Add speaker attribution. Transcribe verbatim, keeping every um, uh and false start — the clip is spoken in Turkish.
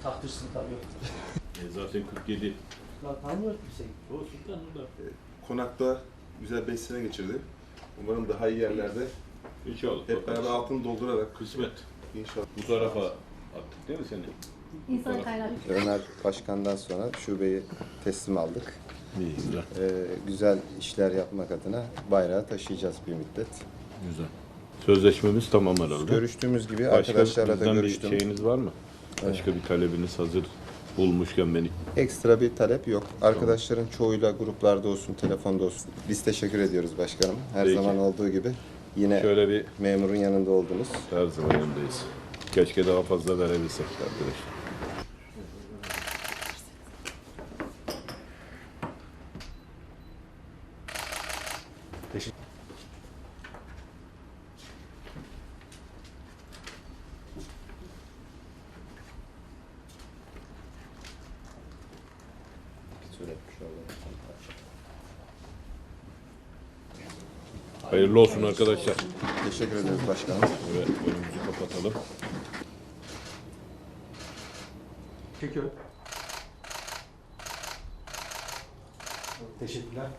Speaker 1: taktırsın tabii.
Speaker 2: E zaten kırk yedi.
Speaker 1: Lan tanımıyor kimseyi.
Speaker 2: O sultan orada.
Speaker 3: Konakta güzel beş sene geçirdi. Umarım daha iyi yerlerde
Speaker 2: İnşallah.
Speaker 3: hep beraber altını doldurarak
Speaker 2: Kısmet.
Speaker 3: inşallah.
Speaker 2: Bu tarafa attık değil mi seni?
Speaker 4: İnsan kaynağı.
Speaker 5: Ömer Başkan'dan sonra şubeyi teslim aldık.
Speaker 2: İyi, güzel.
Speaker 5: Ee, güzel işler yapmak adına bayrağı taşıyacağız bir müddet.
Speaker 2: Güzel. Sözleşmemiz tamam herhalde.
Speaker 5: Görüştüğümüz gibi
Speaker 2: Başka
Speaker 5: arkadaşlarla da
Speaker 2: bizden
Speaker 5: görüştüm.
Speaker 2: bir şeyiniz var mı? Başka bir talebiniz hazır bulmuşken beni.
Speaker 5: Ekstra bir talep yok. Arkadaşların çoğuyla gruplarda olsun, telefonda olsun. Biz teşekkür ediyoruz başkanım. Her
Speaker 2: Peki.
Speaker 5: zaman olduğu gibi yine
Speaker 2: Şöyle bir
Speaker 5: memurun yanında oldunuz.
Speaker 2: her zaman yanındayız. Keşke daha fazla verebilsek arkadaşlar. Hayırlı olsun arkadaşlar.
Speaker 5: Teşekkür ederiz başkanım.
Speaker 2: Evet, önümüzü kapatalım.
Speaker 1: Çekiyor. Teşekkürler.